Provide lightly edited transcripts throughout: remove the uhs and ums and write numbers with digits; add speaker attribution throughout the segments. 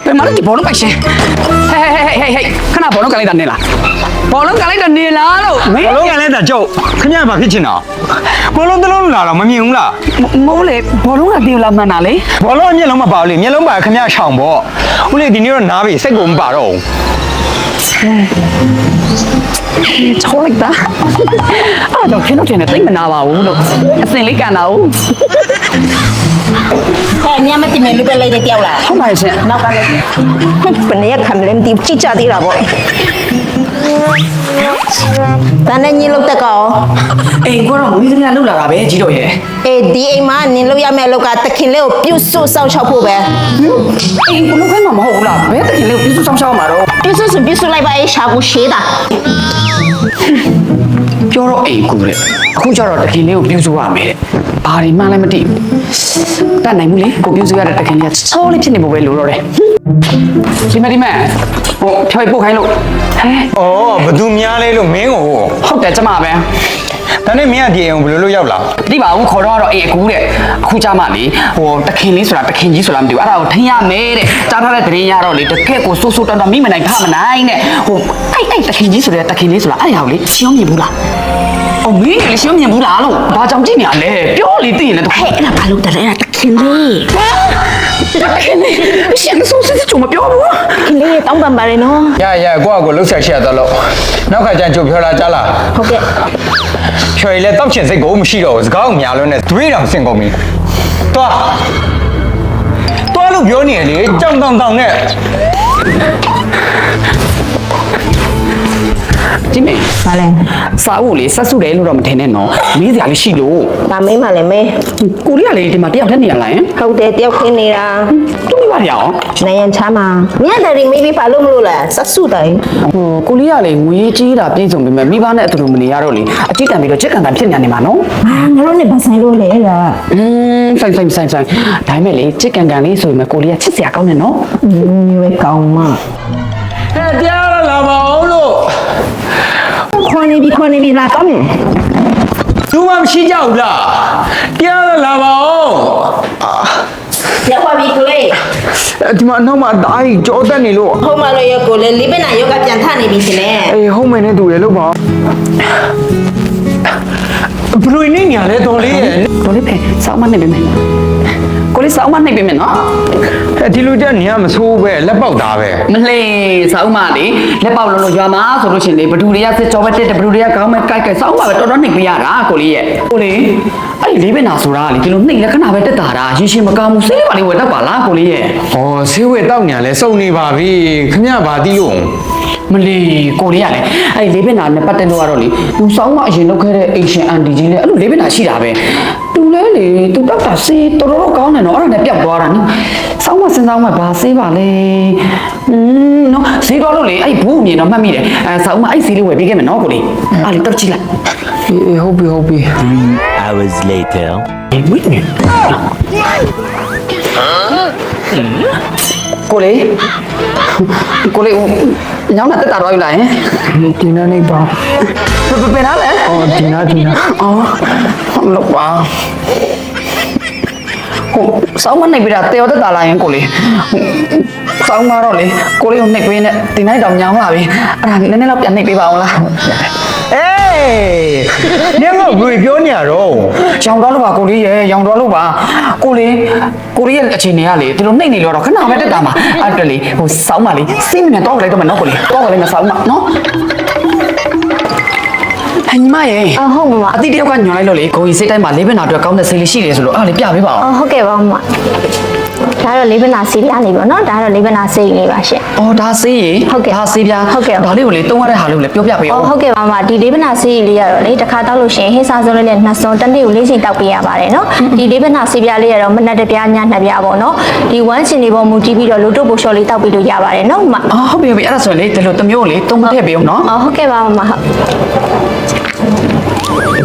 Speaker 1: ဘယ်မှာလဲဒီဘောလုံးပိုက်ရှင်ဟေးခဏဘောလုံးကန်လိုက်တာနေလားဘောလုံးကန်လိုက်တာနေလားလို့မင်း
Speaker 2: ဘောလုံးကန်လိုက်တာကျုပ်ခင်ဗျာဘာဖြစ်ချင်တာဘောလုံးတစ်လုံးလာတော့မမြင်ဘူးလား
Speaker 1: မိုးလေဘောလုံးကတင်လာမှန်တာလေ
Speaker 2: ဘောလုံးအမျက်လုံးမပါဘူးလေမျက်လုံးပါခင်ဗျာရှောင်ပေါ့ဦးလေးဒီနေ့တော့နားပြီစိတ်ကိုမပါတော့ဘူး
Speaker 1: ချောလိုက်တာအဲ့တော့ခင်ဗျာတင်နေတိတ်မနာပါဘူးလို့အစင်လေးကန်တာဟုတ်
Speaker 3: ညမတင်မယ်လူပဲလိုက်တဲ့တယောက်လား
Speaker 1: ဟုတ်ပါရဲ့ရှင်
Speaker 3: နောက်ကလည်းဘယ်နဲ့ခံလဲမသိကြည့်ကြသေးတာပေါ့တန်းနဲ့ညလောက်တက်ကော
Speaker 1: အေးကိုတော့မွေးစင်းကလှုပ်လာတာပဲကြီးတော့ရဲ့
Speaker 3: အေးဒီအိမ်မှာနင်လောက်ရမယ့်အလောက်ကတခင်လေးကိုပြုတ်ဆွတ်ဆောက်ချောက်ဖို့ပဲ
Speaker 1: အေးကိုလုံးခိုင်းမှာမဟုတ်ဘူးလားဘယ်တခင်လေးကိုပြစုဆောင်ရှောင်းမှာတော့
Speaker 3: ပြုတ်ဆွတ်ဆိုပြုတ်ဆွတ်လိုက်ပါအေးရှာကိုရှေးတာ
Speaker 1: ပြောတော့အိမ်ကူတဲ့အခုကျတော့တခင်လေးကိုပြစုရမယ်တဲ့ဘာတွေမှလည်းမသိဘူးတတ်နိုင်ဘူးလေကိုပြစုရတဲ့တခင်လေးကချောလေးဖြစ်နေဖို့ပဲလိုတော့တယ်ဒီမဟိုဖြောက်ပုတ်ခိုင်းလို့ဟဲ
Speaker 2: ဩဘသူများလဲလို့မင်းကို
Speaker 1: ဟုတ်တယ်ကျမပဲ
Speaker 2: ဒါနဲ့မင်းကဒီအိမ်ကိုဘယ်လိုလုပ်ရောက်လာ
Speaker 1: မသိပါဘူးခေါ်တော့အေးအကူတဲ့အခုကျမလေဟိုတခင်လေးဆိုတာတခင်ကြီးဆိုတာမသိဘူးအဲ့ဒါကိုထင်ရမယ်တဲ့ကြားထားတဲ့တရင်ရတော့လေတကက်ကိုစိုးစိုးတန်းတန်းမိမနိုင်ဖမနိုင်တဲ့ဟိုအဲ့တခင်ကြီးဆိုတဲ့တခင်လေးဆိုတာအဲ့ဒါကိုလေရှင်းမြင်ဘူးလားအော်မင်းလေရှင်းမြင်ဘူးလားလို့ဘာကြောင့်ကြည့်နေရလဲပြောလေသိရင်လည်း
Speaker 3: ဟဲ့အဲ့ဒါဘာလို့တလဲတခင်လေး
Speaker 1: တခင်လေးရှင်းစိုးစစ်ချုံမပြောဘူး
Speaker 3: ခင်လေးတောင်းပန်ပါရနော်
Speaker 2: ရကိုလှုပ်ဆက်ချက်တော့လို့နောက်ခါကျရင်ကြုတ်ဖြောလာကြလား
Speaker 3: ဟုတ်ကဲ့
Speaker 2: ချွေလေတောက်ချင်စိတ်ကိုမရှိတော့ဘူးစကားကိုများလုံးနဲ့တွေးတောင်ဆင်ကုန်ပြီတွားလို့ပြောနေလေကြောင်တောင်နဲ့
Speaker 1: ဒီမေ
Speaker 3: ဘာလဲ
Speaker 1: စာအုပ်လေဆက်စုတယ်လို့တော့မထင်နဲ့နော်မေးစရာလေးရှိလို့
Speaker 3: ဒါမင်းမလည်းမဲ
Speaker 1: ကိုရီးယားလေဒီမှာတယောက်တည်းနေရလားယင်
Speaker 3: ဟုတ်တယ်တယောက်ခင်းနေတာ
Speaker 1: သူ့မိဘတွေအောင်
Speaker 3: နိုင်ရန်ချားမှာမြတ်တယ်မေးပြီးဘာလို့မလို့လဲစက်စုတိုင်း
Speaker 1: ဟိုကိုရီးယားလေငွေကြီးတာပြည့်စုံပြီမဲ့မိဘနဲ့အတူတူမနေရတော့လေအကြည့်တန်ပြီးတော့ချစ်ကန်ကန်ဖြစ်နေမှာနော်
Speaker 3: အာငါတို့နဲ့ဘာဆိုင်လို့လဲလား
Speaker 1: ဆိုင်ဒါပေမဲ့လေချစ်ကန်ကန်လေးဆိုရင်မကိုရီးယားချစ်စရာကောင်းတယ်နော်
Speaker 3: ရွေးကောင်းမ
Speaker 2: ဟဲ့တရားလာပါအောင်လို့
Speaker 3: ခွန်နေပြီလာကောင်းမယ်
Speaker 2: သူမှမရှိကြဘူးလားတရားလာပါအောင်
Speaker 3: ရောက်ပါပြီကိုလေး
Speaker 2: ဒီမှာနောက်မှာဓာတ်ကြီးကြောတက်နေလို့
Speaker 3: ဟိုမှာလို့ရကိုလေးလေးပနာယောဂပြန်ထနေပြီရှင်လေ
Speaker 2: အေးဟုတ်မယ်နဲ့တူတယ်လို့ပါဘလူးနေညာလဲတော်လေးရဲ့
Speaker 1: ကိုလေးပဲစောင်းမနေပြီမယ်ကိုလေးစောင်းမနေပြီမယ်နော်
Speaker 2: ဒီလူတက်နေရမဆိုးပဲလက်ပေါက်သားပဲ
Speaker 1: မလှေစောင်းမလေလက်ပေါက်လုံးလို့ရွာမှာဆိုလို့ရှင်လေဘဒူတွေကစစ်ကြောပဲတက်တယ်ဘဒူတွေကကောင်းမဲ့ကြိုက်စောင်းမပဲတော်တော်နှိပ်ပြရတာကိုလေးရဲ့ကိုလေးအဲ့ဒီလေးပင်နာဆိုတာလေဒီလိုနှိပ်လက္ခဏာပဲတက်တာတာရင်ရှင်မကောင်းဘူးစိတ်လေးပါလေးဝယ်တတ်ပါလားကိုလေးရဲ့
Speaker 2: ဩဆေးဝဲတောက်ညာလဲစုံနေပါပြီခမရပါတီးလို့
Speaker 1: မလီကိုလေးကလည်းအဲ့လေးပင်နာနဲ့ပတ်သက်လို့ကတော့လေသူစောင်းမအရင်လုပ်ခဲ့တဲ့အိမ်ရှင်အန်တီကြီးလည်းအဲ့လိုလေးပင်နာရှိတာပဲသူလဲလေသူတောက်တာစေးတော်တော်ကောင်းတယ်နော်အဲ့ဒါနဲ့ပျောက်သွားတာနော်စောင်းမစင်စောင်းမဘာစေးပါလဲနော်ဈေးတော်လို့လေအဲ့ဘူးအမြင်တော့မှတ်မိတယ်အဲစောင်းမအဲ့ဈေးလေးဝယ်ပေးခဲ့မယ်နော်ကိုလေးအဲ့လေတော့ကြည့်လိုက်
Speaker 2: အေးဟုတ်ပြီ
Speaker 4: 3 hours later.
Speaker 1: ဝိနေကိုလေးညောင်းတာတက်တာတော့ယူလာရင်
Speaker 2: ဒီနေ့နေပါ
Speaker 1: ပဲနားလဲ
Speaker 2: ဩဒီနာ
Speaker 1: အော်ဟုတ်လို့ပါဟိုစောင်းမနှိပ်ပြီးတာတေော်တက်တာလာရင်ကိုလေးစောင်းမတော့လေကိုလေးကိုနှိပ်ပေးနဲ့ဒီနေ့တော့ညောင်းလာပြီအဲ့ဒါနည်းနည်းတော့ပြန်နှိပ်ပေးပါအောင်လား
Speaker 2: အေးညမဘယ်ပြောနေရတော့
Speaker 1: ရောင်တော့လို့ပါကိုလေးရေရောင်တော့လို့ပါကိုလေးရဲ့အခြေအနေကလေဒီလိုနှိပ်နေလို့တော့ခဏပဲတက်တာမှာအဲ့တလေဟိုစောင်းမလေးစိတ်မနဲ့တော့လိုက်တော့မယ်နော်ကိုလေးတော့လိုက်မယ်စောင်းမနော်ညီမရေ
Speaker 3: အဟုတ်မမ
Speaker 1: အတိတယောက်ကညွန်လိုက်လို့လေကိုကြီးစိတ်တိုင်းမှာလေးပင်နာအတွက်ကောင်းတဲ့ဆေးလေးရှိတယ်ဆိုလို့အဲ့ဒါလေးပြပေးပါအောင်
Speaker 3: ဟုတ်ကဲ့ပါမမဒါတော့လေးပနာစီးပြနေပြီနော်ဒါတော့လေးပနာစိတ်လေးပါရှင်
Speaker 1: အော်ဒါဆေးရေ
Speaker 3: ဟုတ်ကဲ့
Speaker 1: ဒါဆေးပြား
Speaker 3: ဟုတ်ကဲ့
Speaker 1: ဒါလေးကိုလေတုံးရတဲ့ဟာလေးကိုလေပြောပြပေးအောင်
Speaker 3: ဟုတ်ကဲ့ပါမဒီလေးပနာစီးလေးရတော့လေတစ်ခါတောက်လို့ရှိရင်ဟင်းစားစုံလေးနဲ့နှစ်စုံတစ်နေ့ကို၄ချိန်တောက်ပေးရပါတယ်နော်ဒီလေးပနာစီးပြလေးရတော့မနက်တစ်ပြားညနှစ်ပြားပေါ့နော်ဒီဝမ်းချင်လေးပေါ်မူတည်ပြီးတော့လိုတုပ်ပိုလျှော်လေးတောက်ပေးလို့ရပါတယ်နော်မ
Speaker 1: အော်ဟုတ်ပြီအဲ့ဒါဆိုရင်လေဒီလိုတစ်မျိုးကိုလေတုံးထည့်ပေးအောင်နော်
Speaker 3: ဟုတ်ကဲ့ပါမမဟုတ်ဟ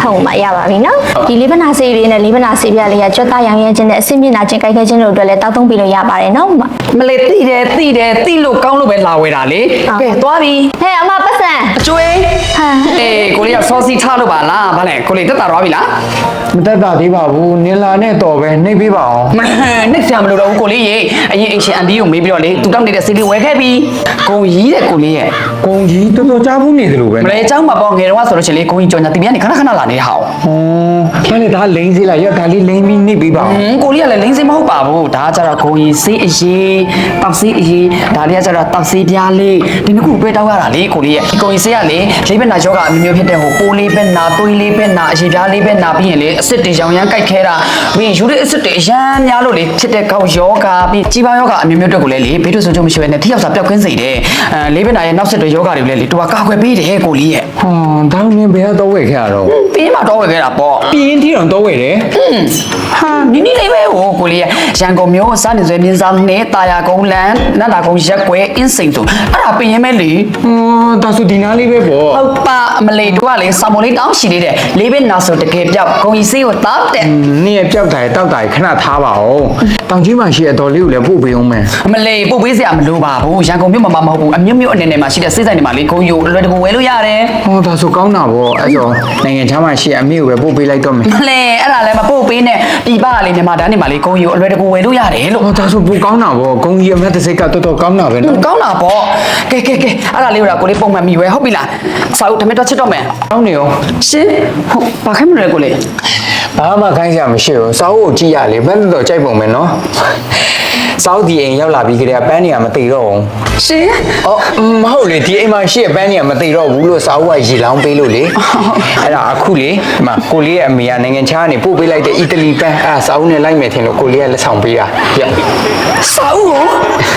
Speaker 3: ထုတ်မှရပါပြီနော်ဒီလေးပနာဆေးလေးနဲ့လေးပနာဆေးပြလေးကကြွက်သားရောင်ရဲခြင်းနဲ့အဆင့်မြင့်နာခြင်းကြိုက်ခဲခြင်းတို့အတွက်လည်းတောက်သုံးပြီးလို့ရပါတယ်နော်
Speaker 1: မလေးတိတယ်တိလို့ကောင်းလို့ပဲလာဝဲတာလေကဲသွားပြီ
Speaker 3: ဟဲ့အမပတ်စံ
Speaker 1: အကျွေးအေးကိုလေးကစောစီထားလို့ပါလားဗါလဲကိုလေးတက်တာသွားပြီလား
Speaker 2: မတက်တာသေးပါဘူးနင်လာနဲ့တော်ပဲနှိပ်ပေးပါအောင်
Speaker 1: မနှိမ့်ဆရာမလို့တော့ကိုလေးရေအရင်အရှင်အန်ဒီကိုမေးပြီးတော့လေသူတောက်နေတဲ့စီလေးဝဲခဲ့ပြီဂုံကြီးတဲ့ကိုလေးရဲ့
Speaker 2: ကုံကြီးတော်တော်ကြားဘူးနေတယ်လို့ပဲ
Speaker 1: မလေးအเจ้าမှာပေါ့ငယ်တော့ဆိုလို့ရှိရင်လေဂုံကြီးကြော်ညာတင်ပြနေခဏခဏလာနေဟောင်း
Speaker 2: ဟောမလေးဒါလိမ့်စေးလိုက်ရဒါလေးလိမ့်ပြီးနှိပ်ပေးပါအောင်
Speaker 1: ကိုလေးကလည်းလိမ့်စင်းမဟုတ်ပါဘူးဒါကကြတော့ဂုံကြီးစေးအရေးတောက်စေးအရေးဒါလေးကကြတော့တောက်စေးပြားလေးဒီနှစ်ခုပဲတောက်ရတာလေကိုလေးရဲ့ဂုံကြီးစေးကလေလေးဘက်နာယောဂအမျိုးမျိုးဖြစ်တဲ့ဟိုပိုးလေးဘက်နာသွေးလေးဘက်နာအရေးပြားလေးဘက်နာပြီးရင်လေအစ်စ်တွေရောင်ရမ်းကြိုက်ခဲတာပြီးရင်ယူရစ်အစ်စ်တွေအရမ်းများလို့လေဖြစ်တဲ့ကောက်ယောဂပြီးကြီးပါယောဂအမျိုးမျိုးတက်ကိုလည်းလေဘေးတို့ဆိုကြမရှိဘဲနဲ့ထိရောက်စာပျောက်ကွင်းစေတယ်လေးဘက်နာရဲ့နောက်ဆက်တွေယောဂတွေလည်းလေတူကကာကွယ်ပေးတယ်ကိုလေးရဲ့
Speaker 2: ဟောဒါနင်ဘယ်တော့ဝယ်ခဲ့ရတော့
Speaker 1: ပြီးမှတော့ဝယ်ခဲ့တာပေါ့
Speaker 2: ပြင်းထီတော့ဝယ်တယ်
Speaker 1: ဟာနီနီလေးပဲဟိုကိုလေးရဲ့ရန်ကုန်မြို့စားနေစွဲမြင်းစားနဲ့တာယာကုန်းလန်နတ်တာကုန်းရက်ကွယ်အင်းစိန်ဆိုအဲ့ဒါပြင်ရင်မဲလေ
Speaker 2: ဒါဆိုဒီနားလေးပဲပေါ့
Speaker 1: ဟုတ်ပါမလေးတို့ကလေစာမလေးတောင်းရှိသေးတယ်လေးပဲနာဆိုတကယ်ပြောက်ဂုံကြီးစေးကိုတောက်တယ်
Speaker 2: နင်ရဲ့ပြောက်တာတောက်တာခဏထားပါဦးတောင်ကြီးမှာရှိတဲ့တော်လေးကိုလည်းပို့ပေးအောင်မယ်
Speaker 1: မလေးပို့ပေးစရာမလိုပါဘူးရန်ကုန်မြို့မှာမဟုတ်ဘူးအမြို့မြို့အနေနဲ့မှာရှိတဲ့စိတ်ဆိုင်တွေမှာလေဂုံကြီးကိုအလွယ်တကူဝယ်လို့ရတယ်
Speaker 2: ဟောဒါဆိုကောင်းတာပေါ့အဲ့တော့နိုင်ငံခြားမှာရှိအမေကိုပဲပို့ပေးလိုက်တော့မယ်
Speaker 1: မလေးအဲ့ဒါလည်းမပို့ပေးနဲ့ဒီပါကလေမြန်မာတန်းနေမှာလေဂုံကြီးကိုအလွယ်တကူဝယ်လို့ရတယ်လို့
Speaker 2: ဟောဒါဆိုပိုကောင်းတာပေါ့ဂုံကြီးအမတ်တစ်စိတ်ကတော်တော်ကောင်းတာပဲနော်
Speaker 1: ကောင်းတာပေါ့ကဲအဲ့ဒါလေးကိုကိုလေးပုံမှန်မိဝဲဟုတ်ပြီလားစာအုပ်ဓမက်တော့ချစ်တော့မယ်
Speaker 2: ကောင်းနေရော
Speaker 1: ရှင်ဟုတ်ဘာခိုင်းမလဲကိုလေး
Speaker 2: ဘာမှခိုင်းစရာမရှိဘူးစာအုပ်ကိုကြည့်ရလေဘယ်တော့ကြိုက်ပုံမယ်နော်စာအုပ်ဒီအိမ်ရောက်လာပြီးကြတဲ့ပန်းနေရမသိတော့ဘူး
Speaker 1: ရှင်
Speaker 2: အော်မဟုတ်လေဒီအိမ်မှာရှိတဲ့ပန်းနေရမသိတော့ဘူးလို့စာအုပ်ကရေလောင်းပေးလို့လေအဲ့ဒါအခုလေဒီမှာကိုလေးရဲ့အမေကနိုင်ငံခြားကနေပို့ပေးလိုက်တဲ့အီတလီပန်းအဲ့စာအုပ်နဲ့လိုက်မယ်ထင်လို့ကိုလေးကလက်ဆောင်ပေးတာပြ
Speaker 1: စာအုပ်ကို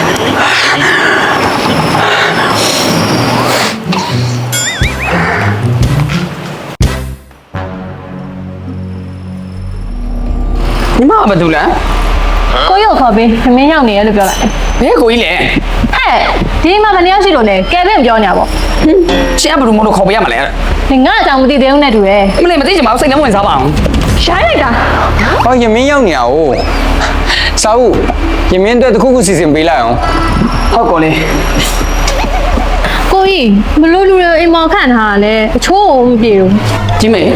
Speaker 1: ညီမဘာလုပ်လဲ
Speaker 5: ကိုရုပ်ခေါ်ပေးခမင်းရောက်နေရလို့ပြောလိုက်
Speaker 1: ဘဲကိုကြီးလဲ
Speaker 5: ဟဲ့ဒီမှာမနေ့ရောက်ရှိလို့လေကဲဘင့်ပြောညာပေါ့
Speaker 1: ရှင်ကဘယ်လိုမလို့ခေါ်ပေးရမလဲ
Speaker 5: ဒီငါအကြောင်းမသိသေးဘူးနဲ့တူတယ်
Speaker 1: မလေးမသိချင်ပါဘူးစိတ်နှမဝင်စားပါအောင်
Speaker 5: ရှိုင်းလိုက်တာ
Speaker 2: ဟောယမင်းရောက်နေရအောင်စာအုပ်ယမင်းအတွက်တစ်ခုခုစီစဉ်ပေးလိုက်အောင်
Speaker 1: ဟုတ်ကောလေး
Speaker 5: ကိုကြီးဘလို့လူတွေအိမ်မောင်ခန့်ထားတာလဲအချိုးမပြေဘူး
Speaker 1: ကြီးမေ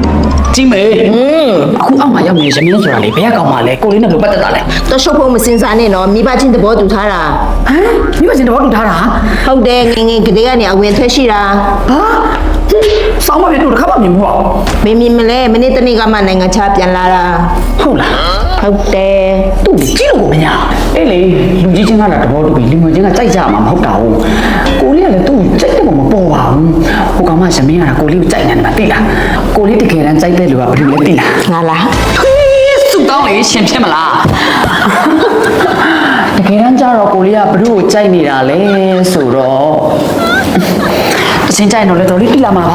Speaker 1: အခုအောက်မှာရောက်နေရမင်းဆိုတာလေဘယ်ကောင်မှလဲကိုလေးနဲ့ဘယ်လိုပတ်သက်တာလဲ
Speaker 6: တော့ရှုပ်ဖို့မစင်စားနဲ့နော်မိဘချင်းသဘောတူထားတာ
Speaker 1: ဟမ်မိဘချင်းတော့တူထားတာ
Speaker 6: ဟုတ်တယ်ငငယ်ကလေးကနေအဝင်ထွက်ရှိတာ
Speaker 1: ဟာစောင်းမဖြစ်လို့တစ်ခါမှမြင်ဘူးပေါ့
Speaker 6: မင်းမြင်မလဲမနေ့တနေ့ကမှနိုင်ငံခြားပြန်လာတာ
Speaker 1: ဟုတ်လား
Speaker 6: ဟုတ်တယ်
Speaker 1: သူ့ကိုကြည့်လို့ကိုမညာအေးလေလူကြီးချင်းကလည်းတဘောတူပြီးလူငယ်ချင်းကကြိုက်ကြမှာမဟုတ်တာဘူးကိုလေးကလည်းသူ့ကိုကြိုက်တယ်မပေါ်ပါဘူးဟိုကောင်မသမီးကကိုလေးကိုကြိုက်နေတယ်မသိလားကိုလေးတကယ်တမ်းကြိုက်တဲ့လူကဘယ်လိုလဲသိလား
Speaker 6: ငါလား
Speaker 1: စုတောင်းလေရှင်ဖြစ်မလားတကယ်တမ်းကျတော့ကိုလေးကဘယ်သူ့ကိုကြိုက်နေတာလဲဆိုတော့အစင်ကြိုက်တော့လေတော်လေးသိလာမှာပါ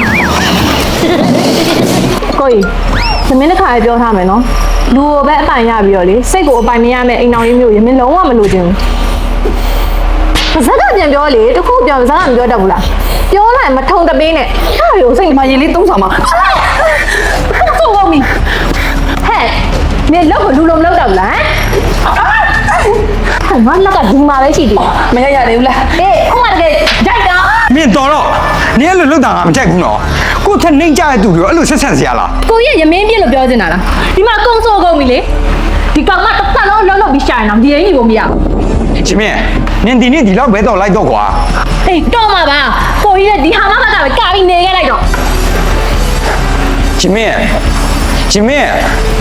Speaker 5: ကိုကြီးသမင်းတစ်ခါပြောထားမယ်နော်လူကိုပဲအပိုင်ရပြီးတော့လေစိတ်ကိုအပိုင်မရမဲ့အိမ်တော်ကြီးမျိုးရမင်းလုံးဝမလိုချင်ဘူးပါဇက်ကပြန်ပြောလေတခုပြောပါဇက်ကမပြောတတ်ဘူးလားပြောလိုက်မထုံတပေးနဲ့ဟာရိုစိတ်
Speaker 1: ဒီမှာရင်လေးသုံးဆောင်မှာ
Speaker 5: ဆုံးကုန်ပြီဟဲ့နေလောက်ကိုလူလုံးမလောက်တော့ဘူးလားဟဲ့ငါလက်ကဒီမှာပဲရှိသေးတယ်
Speaker 1: မရရသေးဘူးလား
Speaker 5: အေးခုမှတကယ်ကြိုက်တာ
Speaker 2: မင်းတော်တော့နင်အဲ့လိုလုပ်တာငါမကြိုက်ဘူးနော်ကိုထက်နှိမ့်ကြတဲ့သူတွေအဲ့လိုဆက်ဆက်စရာလား
Speaker 5: ကိုကြီးရမင်းပြည့်လို့ပြောချင်တာလားဒီမှာကုန်းစိုးကုန်ပြီလေဒီကောင်မတစ်သက်လုံးလုံးပြီးရှာနေအောင်ဒီအိမ်ကြီးကိုမရဘူး
Speaker 2: ရှင်မင်းနင်ဒီနေ့ဒီလောက်ပဲတော့လိုက်တော့ကွာ
Speaker 5: အေးတော့မှာပါကိုကြီးရဲ့ဒီဟာမကပဲကာပြီးနေခဲ့လိုက်တော့
Speaker 2: ရှင်မင်းရှင်မင်း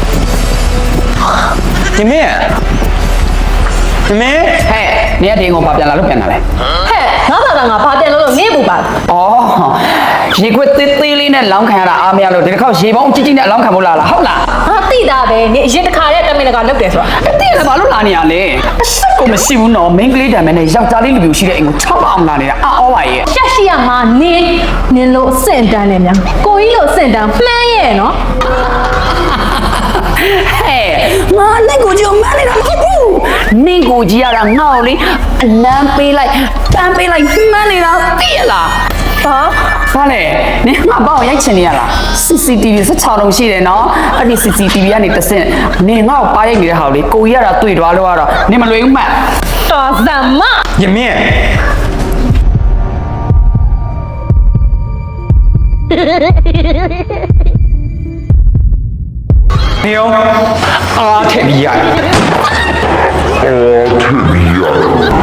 Speaker 2: ရှင်မင်းရှင်မင်း
Speaker 1: ဟဲ့နေရတဲ့ကောင်ပါပြန်လာလို့ပြန်လာလဲ
Speaker 5: ဟဲ့ငါဘာဘာတင်လို့နေပူပါ
Speaker 1: ဩရေခွက်သေးသေးလေးနဲ့လောင်းခံရတာအားမရလို့ဒီတစ်ခေါက်ရေပေါင်းကြီးကြီးနဲ့လောင်းခံဖို့လာလားဟုတ်လား
Speaker 5: ငါတိတာပဲနေအရင်တစ်ခါတည်းတမင်တကာလုပ်တယ်ဆိုတာ
Speaker 1: အတိလည်းဘာလို့လာနေရလဲအဆက်ကိုမရှိဘူးနော်မင်းကလေးတံမဲနဲ့ယောက်ျားလေးလူမျိုးရှိတဲ့အိမ်ကို6အောင်လာနေတာအော်ပါရဲ့
Speaker 5: ရှက်ရှိရမှာနင်လို့အဆင့်တန်းနေများကိုကြီးလို့အဆင့်တန်းမှန်းရဲ့နော်
Speaker 1: ဟဲ့ငါနဲ့ကိုကြီးကိုမန်းနေတာမဟုတ်ဘူးနင့်ကိုကြီးရတာငါ့ကိုလေအလန်းပေးလိုက်ပန်းပေးလိုက်မှန်းနေတာသိရလား
Speaker 5: ဟ
Speaker 1: ဘာလဲနင်ငါပေါ့ရိုက်ချင်နေရလား CCTV 16လုံးရှိတယ်နော်အဲ့ဒီ CCTV ကနေတစ်ဆင့်နင်ငါ့ကိုပါရိုက်နေတဲ့ဟာကိုလေကိုကြီးရတာတွေ့သွားလို့ကတော့နင်မလွယ်ဘူးမှတ်
Speaker 5: တော်သမ
Speaker 2: ရမင်းနေအောင်အားထည့်ပြီးရတယ်